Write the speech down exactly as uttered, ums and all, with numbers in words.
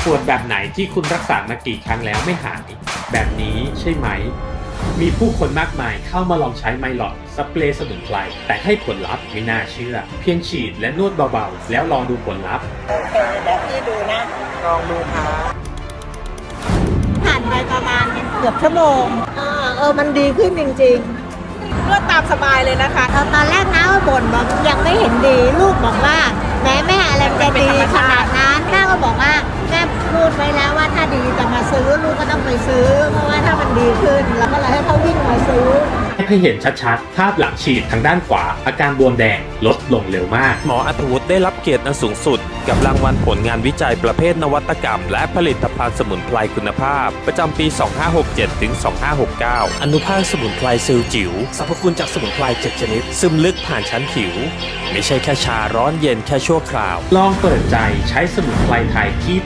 ปวดแบบไหนที่คุณรักษามากี่ครั้งแล้วไม่หายแบบนี้ใช่ไหมมีผู้คนมากมายเข้ามาลองใช้ไมลอดสเปรย์สมุนไพรแต่ให้ผลลัพธ์ไม่น่าเชื่อเพียงฉีดและนวดเบาๆแล้วลองดูผลลัพธ์โอเคเดี๋ยวพี่ดูนะลองดูครับผ่านไปประมาณเกือบชั่วโมงเออเออมันดีขึ้นจริงนวดตามสบายเลยนะคะๆเออตอนแรกน้าก็บ่นบอกยังไม่เห็นดีลูกบอกว่าแม่แม่อะไรมันจะดีขนาดนั้นน้าก็บอกว่าแม่พูดไว้แล้วว่าถ้าดีจะมาซื้อลูกก็ต้องไปซื้อเพราะว่าถ้ามันดีขึ้นเราก็เลยให้เขาวิ่งมาซื้อให้เห็นชัดๆภาพหลังฉีดทางด้านขวาอาการบวมแดงลดลงเร็วมากหมออัธวุฒิได้รับเกียรติอันสูงสุดกับรางวัลผลงานวิจัยประเภทนวัตกรรมและผลิตภัณฑ์สมุนไพรคุณภาพ ประจำปี สองพันห้าร้อยหกสิบเจ็ด ถึง สองพันห้าร้อยหกสิบเก้า อนุภาคสมุนไพรเซลล์จิ๋วสรรพคุณจากสมุนไพรเจ็ดชนิด ซึมลึกผ่านชั้นผิว ไม่ใช่แค่ชาร้อนเย็นแค่ชั่วคราวลองเปิดใจใช้สมุนไพรไทยที่